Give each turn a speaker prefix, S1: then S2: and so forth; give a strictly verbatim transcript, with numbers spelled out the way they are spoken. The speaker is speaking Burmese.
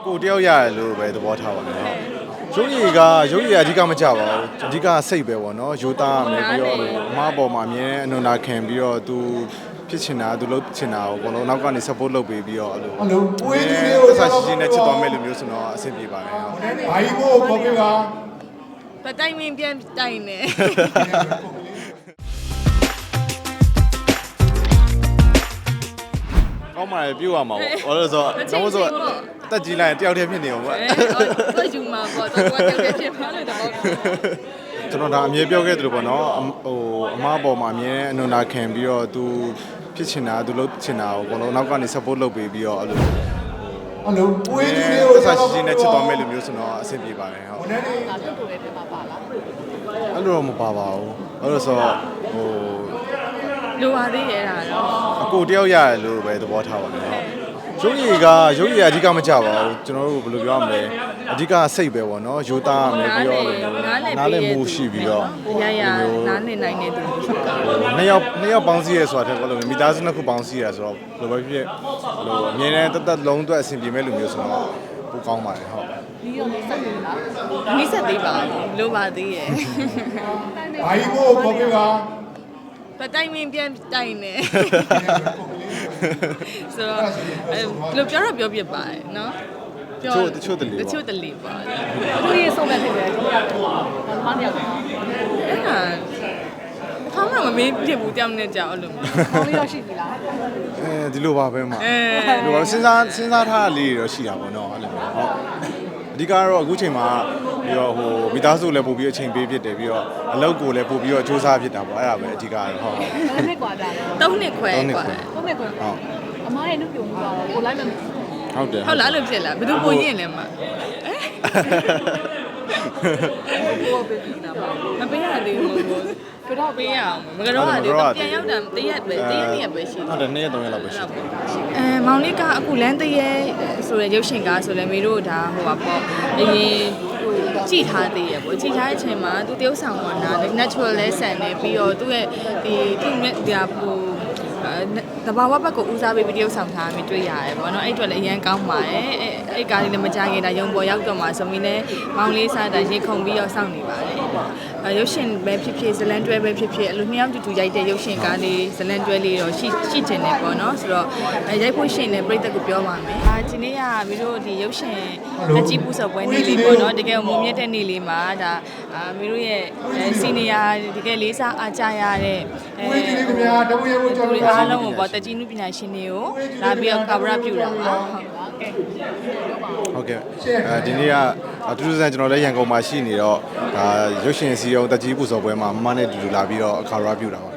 S1: ကိုတယောက်ရတယ်လို့ပဲသဘောထားပါမယ်ရုပ်ရည်ကရုပ်ရည်အဓိကမကြပါဘူးအဓိကစိတ်ပဲပေါ့နော်ယူသားမယ်ပြီးတော့အမားပေါ်မှာအမြဲအနုနာခံပြီးတော့သူဖြစ်ချင်တာသူလုပ်ချင်တာကိုဘလုံးနောက်ကနေ support လုပ်ပေးပြီးတော့အဲ့လိုအဲ့လိုပွေးကြီးလေးကိုဆက်ရှိနေချစ်သွားမယ်လို့မျိုးဆိုတော့အဆင်ပြေပါတယ်ဟုတ်ဘာကြီးကိုခေါ်ပြပါ
S2: ပတိုင်မင်းပြန်တိုင်နေ
S1: ကောင်းပါလေပြုတ်ရမှာပေါ့ဘာလို့ဆိုတော့တော့ဆိုတက်ကြီးလိုက်တယောက်တည်းဖြစ်နေအောင်ပေါ့
S2: တော့ယူမှာပေါ့တော့တယောက်တည်းဖြစ်ပါလို့တော့
S1: ကျွန်တော်ဒါအမြဲပြောခဲ့သလိုပေါ့နော်ဟိုအမားပေါ်မှာအမြဲအနုနာခံပြီးတော့သူဖြစ်ချင်တာသူလုပ်ချင်တာကိုဘလုံးနောက်ကနေ support လုပ်ပေးပြီးတော့အဲ့လိုအဲ့လိုပွေးကြီးလေးကိုဆက်ရှိနေချစ်သွားမယ်လို့မျိုးဆိုတော့အဆင်ပြေပါတယ်ဟုတ်
S2: ငါပြုတ်ကိုလည်းပြမှာပါလား
S1: အဲ့လိုတော့မပါပါဘူးအဲ့လိုဆိုတော့ဟို
S2: လိုပါသေးရဲ့ဒါတော့
S1: အကိုတယောက်ရတယ်လို့ပဲသဘောထားပါမယ်ဟုတ်ရုပ်ရည်ကရုပ်ရည်အဓိကမကြပါဘူးကျွန်တော်တို့ဘယ်လိုပြောရမလဲအဓိကစိတ်ပဲပေါ့နော်ယူသားမယ်ပြီးတော့နားလည်မှုရှိပြီးတော့
S2: ရရနားလည်နိုင်တဲ့သူရှိတာ
S1: နှစ်ယောက်နှစ်ယောက်ပေါင်းစည်းရဲဆိုတာတဲ့ဘယ်လိုမိသားစုနှစ်ခုပေါင်းစည်းရဆိုတော့ဘယ်လိုပဲဖြစ်ဟိုအမြင်နဲ့တသက်လုံးအတွက်အဆင်ပြေမဲ့လူမျိုးဆိုတော့ပိုကောင်းပါတယ်ဟုတ်
S2: ဒီရောနေဆက်နေလားနေဆက်သေးပါလိုပါသေးရဲ့
S1: ဘာကြီးကိုခေါ်ပြပါ
S2: ပတိုင်မင်းပြန်တိုင်နေဆိုတော့ဘယ်လိုပြောတော့ပြောပြပါတယ်နော်
S1: ပြောတချို့တလေ
S2: တချို့တလေပါ
S3: သူရေးဆုံးမဲ့ဖြစ်တယ်သူကမမတယောက်အဲ့ဒါ
S2: ခေါင်းကမမေးဖြစ်ဘူးတယောက်နဲ့ကြောက်အဲ့လို
S3: ခေါင်းလေးတော့ရှိပြီလား
S1: အဲဒီလိုပါပဲမှာဒီလိုစဉ်းစားစဉ်းစားထားလေးတွေတော့ရှိတာပေါ့နော်အဲ့လိုမျိုးဟုတ်အဓိကတော့အခုချိန်မှာပြီးတော့ဟိုမိသားစုလည်းပို့ပြီးအချိန်ပေးဖြစ်တယ်ပြီးတော့အလုပ်ကိုလည်းပို့ပြီးတော့စူးစမ်းဖြစ်တာပေါ့အဲ့ဒါပဲအဓိကတော့ဟုတ်
S3: ဘယ်နှစ်กว่าကြာလဲ
S2: သုံးနှစ်ခွဲกว่า
S3: သုံးနှစ်ခွဲဟုတ်အမားရဲ့နှုတ်ပြုံမှုကတော့ကိုလိုက်မ
S1: ဟုတ်တယ်
S2: ဟုတ်လားအဲ့လိုဖြစ်လားဘယ်သူပိုရင်လဲမ
S3: ကိုပေးနေတာပါ
S2: မပေးရသေးဘူးကတော့ပေးရအောင်မကတော့ရတယ်ပြန်ရောက်တာတရက်ပဲတရက်နေ့ပဲရှိ
S1: ဟုတ်တယ်နေ့ရက်သုံးရက်လောက်ပဲရှိတယ်
S2: အဲမောင်လေးကအခုလမ်းတရက်ဆိုရရုပ်ရှင်ကားဆိုလဲမေတို့ဒါဟိုပါပေါ့အရင်ကြည့်ထားသေးရပေါ့ကြည့်ထားတဲ့အချိန်မှာသူတရုပ်ဆောင်ကနာ natural လဲဆန်နေပြီးတော့သူ့ရဲ့ဒီသူ့ရဲ့ဒီဟာဟိုတဘာဝဘက်ကိုဦးစားပေးပြီးတရုပ်ဆောင်ထားမိတွေ့ရတယ်ပေါ့နော်အဲ့အတွက်လည်းအရင်ကောင်းပါတယ်အဲ့အဲ့ကားလေးလည်းမကြခင်ဒါရုံပေါ်ရောက်တော့မှဆိုပြီးလည်းမောင်လေးစားတာရေခုန်ပြီးတော့စောင့်နေပါတယ်ရုပ်ရှင်ပဲဖြစ်ဖြစ်ဇလန်တွဲပဲဖြစ်ဖြစ်အဲ့လိုနှစ်ယောက်တူတူရိုက်တဲ့ရုပ်ရှင်ကားလေးဇလန်တွဲလေးတော့ရှိရှိတင်နေပေါ့နော်ဆိုတော့ရိုက်ဖို့ရှင်လည်းပြည်သက်ကိုပြောပါမယ်အာဒီနေ့ကမီးတို့ဒီရုပ်ရှင်လက်ကြီးပူစော်ပွဲနေ့လေးပေါ့နော်တကယ်မုံမြတ်တဲ့နေ့လေးမှာဒါအာမီးတို့ရဲ့စီနီယာတကယ်လေးစားအားကြရတဲ့အဲဒီအားလုံးကိုပေါ့တကြီးနုပညာရှင်တွေကိုလာပြီးတော့ cover ပြုတာပါ
S1: ဟုတ်ကဲ့အဲဒီနေ့ကအတူတူဆန်ကျွန်တော်လည်းရန်ကုန်မှာရှိနေတော့ဒါရုပ်ရှင်စီအောင်တကြီးပူစော်ပွဲမှာမမနဲ့တူတူလာပြီးတော့အခါရပြုတာပါ